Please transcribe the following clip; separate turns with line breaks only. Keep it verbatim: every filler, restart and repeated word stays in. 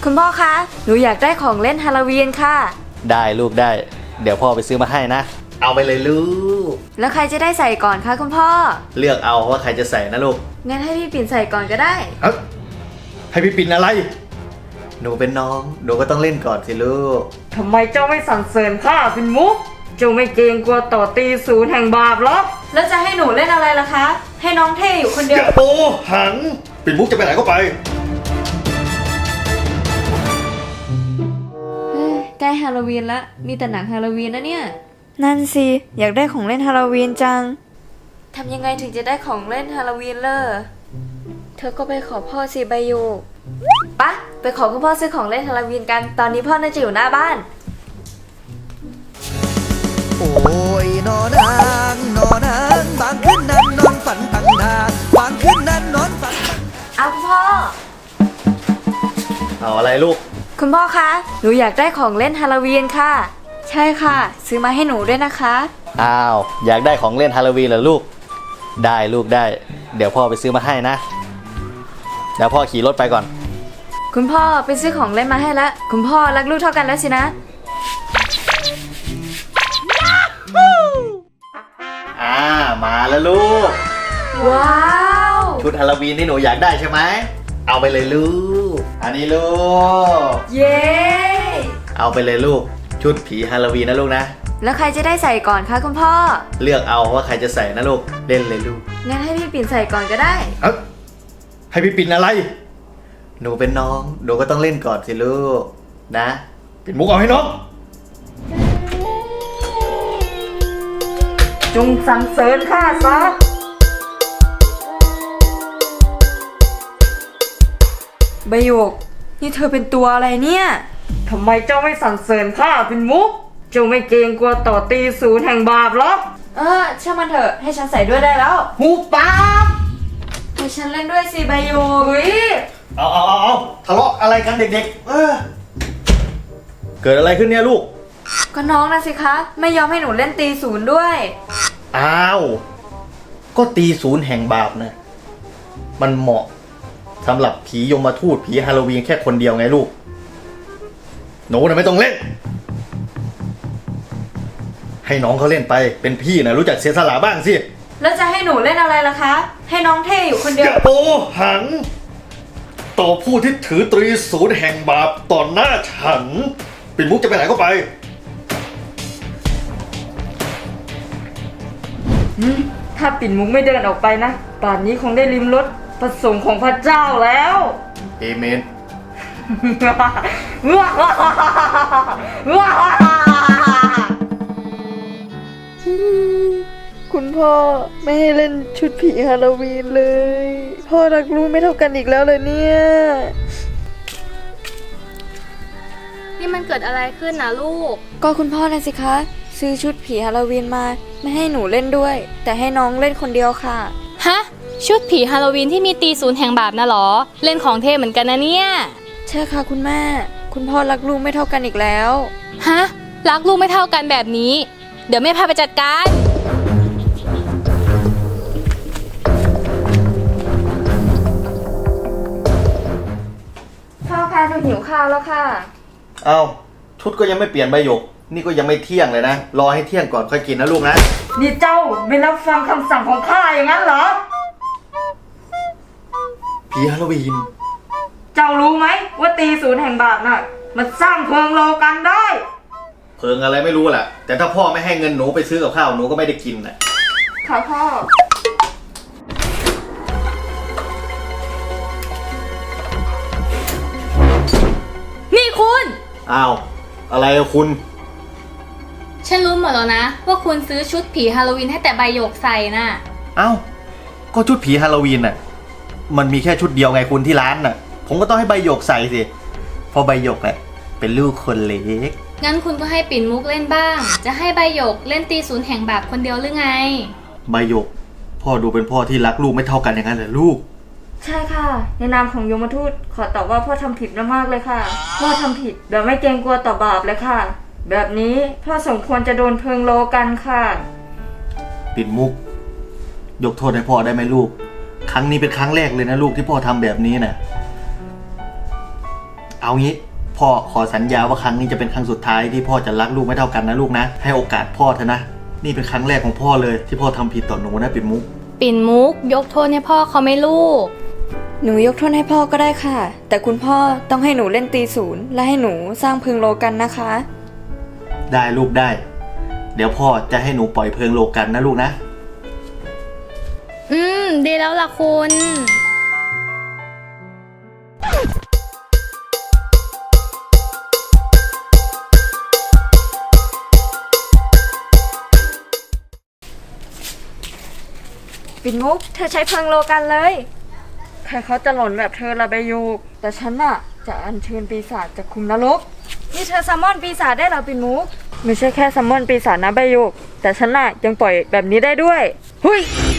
คุณพ่อคะหนูอยากได้ของเล่นฮาโลวีนค่ะ
ได้ลูกได้เดี๋ยวพ่อไปซื้อมาให้นะเอาไปเลยลูก
แล้วใครจะได้ใส่ก่อนคะคุณพ่อ
เลือกเอาว่าใครจะใส่นะลูก
งั้นให้พี่ปิ่นใส่ก่อนก็ได้
เอ้าให้พี่ปิ่นอะไรหนูเป็นน้องหนูก็ต้องเล่นก่อนสิลูก
ทำไมเจ้าไม่สั่นเสริญข้าเป็นมุกเจ้าไม่เกรงกลัวต่อตีศูนย์แห่งบาปหรอแล้วจะให้หนูเล่นอะไรล่ะคะให้น้องเท่อยู่คนเดียว
โอ้หังปิ่นมุกจะไปไหนก็ไป
ใกล้ฮาโลวีนละมีแต่หนังฮาโลวีนนะเนี่ยนั่นสิอยากได้ของเล่นฮาโลวีนจังทำยังไงถึงจะได้ของเล่นฮาโลวีนเลอเธอก็ไปขอพ่อสิใบโยกปะไปขอคุณพ่อซื้อของเล่นฮาโลวีนกันตอนนี้พ่อน่าจะอยู่หน้าบ้าน
โอ้ยนอนางนอนางบางคืนนั้นนอนฝันตั้งนานบางคืนนั้นนอนฝัน
เอาคุณพ่อ
เอาอะไรลูก
คุณพ่อคะหนูอยากได้ของเล่นฮาโลวีนค่ะใช่ค่ะซื้อมาให้หนูด้วยนะคะ
อ้าวอยากได้ของเล่นฮาโลวีนเหรอลูกได้ลูกได้เดี๋ยวพ่อไปซื้อมาให้นะเดี๋ยวพ่อขี่รถไปก่อน
คุณพ่อไปซื้อของเล่นมาให้แล้วคุณพ่อรักลูกเท่ากันแล้วสินะ
อ่ามาแล้วลูก
ว้าว
ชุดฮาโลวีนที่หนูอยากได้ใช่ไหมเอาไปเลยลูกอันนี้ลูก
เย้
เอาไปเลยลูกชุดผีฮาโลวีนนะลูกนะ
แล้วใครจะได้ใส่ก่อนคะคุณพ่อ
เลือกเอาว่าใครจะใส่นะลูกเล่นเลยลูก
งั้นให้พี่ปิ่นใส่ก่อนก็ได้
เอ้าให้พี่ปิ่นอะไรหนูเป็นน้องหนูก็ต้องเล่นก่อนสิลูกนะปิ่นมุกเอาให้น้อง
จงสรรเสริญข้าซะใบหยกนี่เธอเป็นตัวอะไรเนี่ยทำไมเจ้าไม่สรรเสริญข้าเป็นมุกเจ้าไม่เกรงกลัวต่อตีศูนย์แห่งบาปหรอเออช่างมันเถอะให้ฉันใส่ด้วยได้แล้วหูปากให้ฉันเล่นด้วยสิใบหยก
เอาเอาเอาเอาทะเลาะอะไรกันเด็กๆเออเกิดอะไรขึ้นเนี่ยลูก
ก็น้องนะสิคะไม่ยอมให้หนูเล่นตีศูนย์ด้วย
อ้าวก็ตีศูนย์แห่งบาปนะมันเหมาะสำหรับผียมทูตผีฮาโลวีนแค่คนเดียวไงลูกหนูน่ะไม่ต้องเล่นให้น้องเขาเล่นไปเป็นพี่นะรู้จักเสียสละบ้างสิ
แล้วจะให้หนูเล่นอะไรล่ะคะให้น้องเท่อยู่คนเดียว
โอ้หังต่อผู้ที่ถือตรีศูนย์แห่งบาปต่อหน้าฉันปิ่นมุกจะไปไหนก็ไป
ถ้าปิ่นมุกไม่เดินออกไปนะป่านนี้คงได้ลิ้มรสประสงค์ของพระเจ้าแล้ว
เอเมน
คุณพ่อไม่ให้เล่นชุดผีฮาโลวีนเลยพ่อรักลูกไม่เท่ากันอีกแล้วเลยเนี่ย
นี่มันเกิดอะไรขึ้นนะลูก
ก็คุณพ่อนะสิคะซื้อชุดผีฮาโลวีนมาไม่ให้หนูเล่นด้วยแต่ให้น้องเล่นคนเดียวค่ะ
ฮะชุดผีฮาโลวีนที่มีตีศูนย์แห่งบาปนะหรอเล่นของเท่เหมือนกันนะเนี่ย
ใช่ค่ะคุณแม่คุณพ่อรักลูกไม่เท่ากันอีกแล้ว
ฮะรักลูกไม่เท่ากันแบบนี้เดี๋ยวแม่พาไปจัดการ
พ่อคะหนูหิวข้าวแล้วค่ะ
เอ้าชุดก็ยังไม่เปลี่ยนใบหยกนี่ก็ยังไม่เที่ยงเลยนะรอให้เที่ยงก่อนค่อยกินนะลูกนะ
นี่เจ้าไม่รับฟังคำสั่งของข้าอย่างนั้นเหรอ
ผีฮาโลวีน
เจ้ารู้ไหมว่าตีศูนย์แห่งบาปน่ะมันสร้างเพลิงโลกันได้
เพลิงอะไรไม่รู้แหละแต่ถ้าพ่อไม่ให้เงินหนูไปซื้อกับข้าวหนูก็ไม่ได้กินแหละ
ค่ะพ่อ
นี่คุณ
อ้าวอะไรอะคุณ
ฉันรู้หมดแล้วนะว่าคุณซื้อชุดผีฮาโลวีนให้แต่ใบหยกใส่น่ะ
อ้าวก็ชุดผีฮาโลวีนน่ะมันมีแค่ชุดเดียวไงคุณที่ร้านน่ะผมก็ต้องให้ใบหยกใส่สิเพราะใบหยกแหละเป็นลูกคนเล็ก
งั้นคุณก็ให้ปิ่นมุกเล่นบ้างจะให้ใบหยกเล่นตีศูนย์แห่งบาปคนเดียวหรือไง
ใบหยกพ่อดูเป็นพ่อที่รักลูกไม่เท่ากันอย่างนั้นเหรอลูก
ใช่ค่ะในนามของยมทูตขอตอบว่าพ่อทำผิดมากเลยค่ะพ่อทำผิดแบบไม่เกรงกลัวต่อบาปเลยค่ะแบบนี้พ่อสมควรจะโดนเพลิงโลกันค่ะ
ปิ่นมุกยกโทษให้พ่อได้ไหมลูกครั้งนี้เป็นครั้งแรกเลยนะลูกที่พ่อทำแบบนี้น่ะเอางี้พ่อขอสัญญาว่าครั้งนี้จะเป็นครั้งสุดท้ายที่พ่อจะรักลูกไม่เท่ากันนะลูกนะให้โอกาสพ่อเถอะนะนี่เป็นครั้งแรกของพ่อเลยที่พ่อทำผิดต่อหนูนะปิ่นมุก
ปิ่นมุกยกโทษให้พ่อเขาไหม่ลูก
หนูยกโทษให้พ่อก็ได้ค่ะ แต่คุณพ่อต้องให้หนูเล่นตีศูนย์และให้หนูสร้างพึงโลกันนะคะ
ได้ลูกได้ เดี๋ยวพ่อจะให้หนูปล่อยเพลิงโลกันนะลูกนะ
อืม ดีแล้วล่ะคุณ
ปิ่นมุกเธอใช้พึงโลกันเลยใครเขาจะหล่นแบบเธอละใบยูกแต่ฉันน่ะจะอัญเชิญปีศาจจากคุมนรกนี่เธอซัมมอนปีศาจได้เหรอปิ่นมุกไม่ใช่แค่ซัมมอนปีศาจนะใบยูกแต่ฉันน่ะยังปล่อยแบบนี้ได้ด้วยเฮ้ย